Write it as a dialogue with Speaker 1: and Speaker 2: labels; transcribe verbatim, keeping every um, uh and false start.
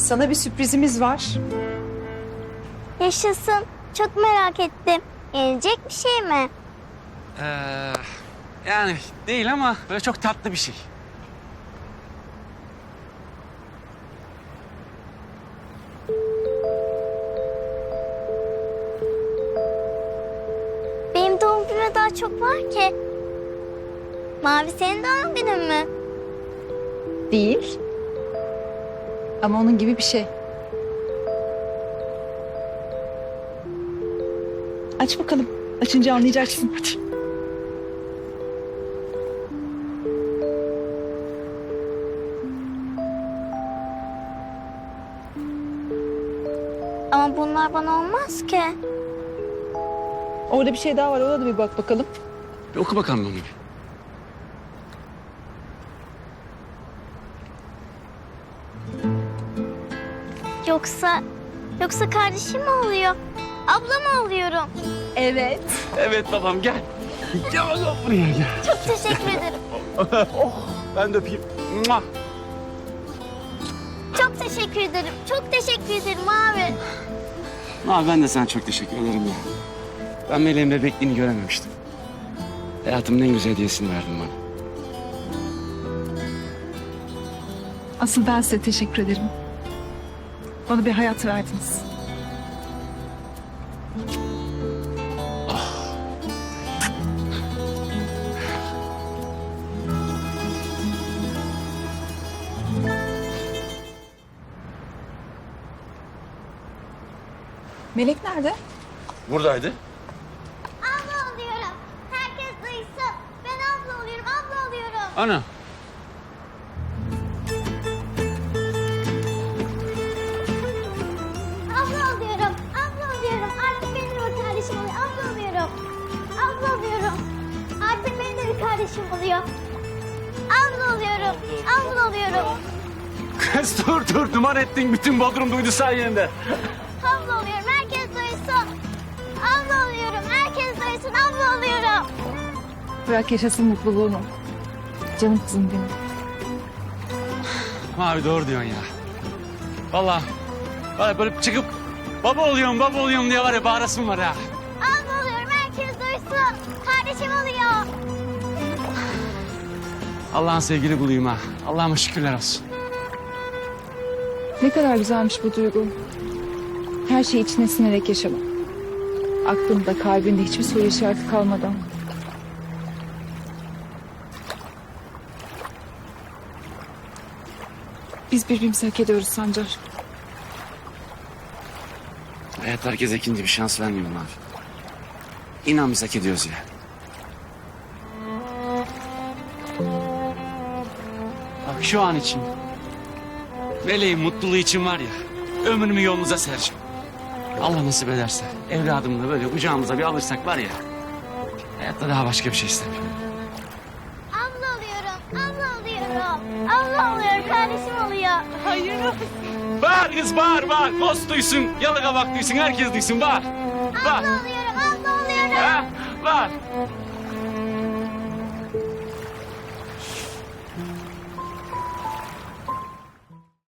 Speaker 1: Sana bir sürprizimiz var.
Speaker 2: Yaşasın. Çok merak ettim. Yenecek bir şey mi?
Speaker 3: Ee, yani değil ama böyle çok tatlı bir şey.
Speaker 2: Benim doğum günüme daha çok var ki. Mavi senin doğum günün mü?
Speaker 1: Değil. Ama onun gibi bir şey. Aç bakalım. Açınca anlayacaksın. Hadi.
Speaker 2: Ama bunlar bana olmaz ki.
Speaker 1: Orada bir şey daha var. Ona da bir bak bakalım.
Speaker 3: Bir oku bakalım onu bir.
Speaker 2: Yoksa, yoksa kardeşim mi oluyor? Abla mı oluyorum?
Speaker 1: Evet.
Speaker 3: Evet babam gel. Gel bakalım buraya gel.
Speaker 2: Çok teşekkür ederim.
Speaker 3: Ben de öpeyim. Mua.
Speaker 2: Çok teşekkür ederim. Çok teşekkür ederim abi.
Speaker 3: Abi ben de sana çok teşekkür ederim ya. Ben Meleğin bebekliğini görememiştim. Hayatımın en güzel hediyesini verdin bana.
Speaker 1: Asıl ben size teşekkür ederim. Bana bir hayat verdiniz. Melek nerede?
Speaker 3: Buradaydı.
Speaker 2: Abla oluyorum. Herkes duysun. Ben abla oluyorum. Abla oluyorum.
Speaker 3: Ana.
Speaker 2: Abla oluyorum. Abla oluyorum. Artık benim de bir kardeşim oluyor. Abla oluyorum. Abla oluyorum. Artık benim de bir kardeşim oluyor. Abla oluyorum. Abla oluyorum.
Speaker 3: Kız dur dur duman ettin. Bütün Bodrum duydu sayende.
Speaker 2: Abla oluyorum. Herkes duysun. Abla oluyorum. Herkes duysun. Abla oluyorum.
Speaker 1: Bırak yaşasın mutluluğunu. Canım kızım benim.
Speaker 3: Abi doğru diyorsun ya. Vallahi var ya böyle çıkıp baba oluyorum baba oluyorum diye var ya bağırasım var ha.
Speaker 2: Abla oluyorum. Herkes duysun. Kardeşim oluyor.
Speaker 3: Allah'ın sevgili kuluyum ha. Allah'ıma şükürler olsun.
Speaker 1: Ne kadar güzelmiş bu duygu. Her şeyi içine sinerek yaşamak. Aklında, kalbinde hiçbir soru işareti kalmadan. Biz birbirimizi hak ediyoruz Sancar.
Speaker 3: Hayat herkese ikinci bir şans vermiyor abi. İnan biz hak ediyoruz ya. Bak şu an için. Meleğin mutluluğu için var ya. Ömrümü yolunuza sereceğim. Allah nasip ederse evladımı da böyle kucağımıza bir alırsak var ya. Hayatta daha başka bir şey istemiyorum.
Speaker 2: Abla oluyorum. Abla oluyorum. Abla oluyorum. Kardeşim oluyor. Hayır.
Speaker 3: Bağır kız bağır bağır. Dost duysun, yalıga bak duysun, herkes duysun bağır. Bağır.
Speaker 2: Abla oluyorum. Abla oluyorum.
Speaker 3: Ha, bağır.